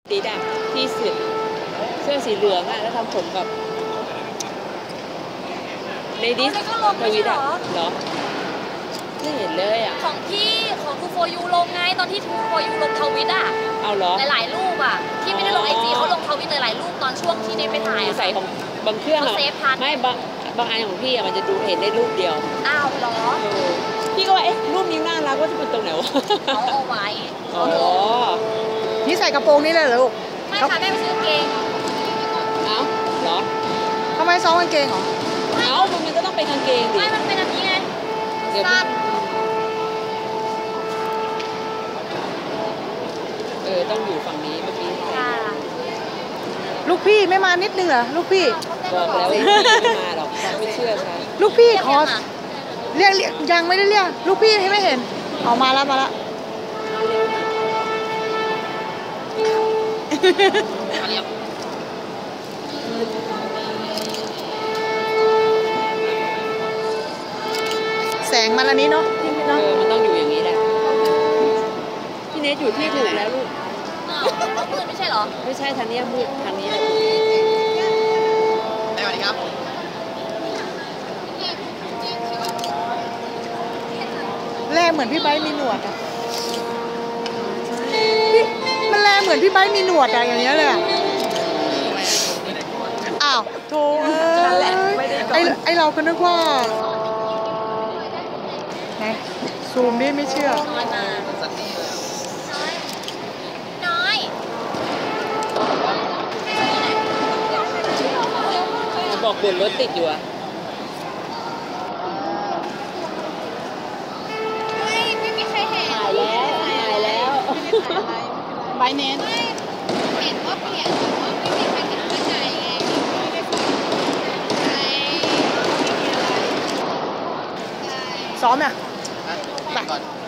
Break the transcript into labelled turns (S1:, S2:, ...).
S1: สีดำที่สุดเสื้อสีเหลืองอะแล้วทำผมแบบในดิสทวิตอะเหรอไม่เห็นเลยอะ
S2: ของพี่ของทูโฟยูลงไงตอนที่ทูโฟยูลงทวิตอะ
S1: เอาเหรอ
S2: หลายๆรูปอะที่ไม่ได้ลงไอจีเขาลงทวิตหลายๆรูปตอนช่วงที่ได้ไปถ่าย
S1: ใส่ของบางเครื่องอะไม่บางอันของพี่อะมันจะดูเห็นได้รูปเดียว
S2: อ้าวเหรอ
S1: พี่ก็ว่าเอ๊ะรูปนี้น่ารักว่าจะเป็นตรงไหนวะ
S2: เขาเอาไว้
S1: อ๋อ
S3: นี่ใส่กระโปรงนี่เลยเหรอลูก
S2: ไม่ค่ะแม่ไปซื้อกางเกง
S1: เอ้าเหรอ
S3: ทำไมซ้อมกางเกงเหรอ
S1: เอ้ามันก็ต้องเป็นกางเกงดิ
S2: ไม่มันเป็นอันนี้ไงสั้น
S1: ต้องอยู่ฝั่งนี้เมื่อกี้
S3: ลูกพี่ไม่มานิดนึงเหรอลูกพี่
S1: บอกแล้วไม่มาหรอกไม่เชื่อใช่
S3: ลูกพี่ขอเรียกยังไม่ได้เรียกลูกพี่ให้ไม่เห็นออกมาแล้วแสงมันอันนี้เนาะ
S1: มันต้องอยู่อย่างนี้แหละพี่เนทอยู่ที่ถูกแล้วลูก
S2: มืดไม่ใช่เหรอ
S1: ไม่ใช่ทางนี้มืดทางนี้แหละ
S4: สวัสดีครับ
S3: แลเหมือนพี่ไบร์ทมีหนวดอ่ะมันแลเหมือนพี่ไบร์ทมีหนวดอะอย่างเงี้ยเลยอ้าวโธ่ไอเราก็นึกว่าไหนซูมดิไม่เชื่อ
S2: น้อย
S1: บอกบนรถติดอยู่อะ
S2: ไม่มีใครเห็น
S1: ถ่ายแล้ว
S3: ใบเน้น
S2: เห็นว่าเปลี่ยนแต่ว่าไม่มีใครเห็นข้างในไงไม่ได้ฟัง
S3: ซ้อมเนี่ย
S4: ไปก่อน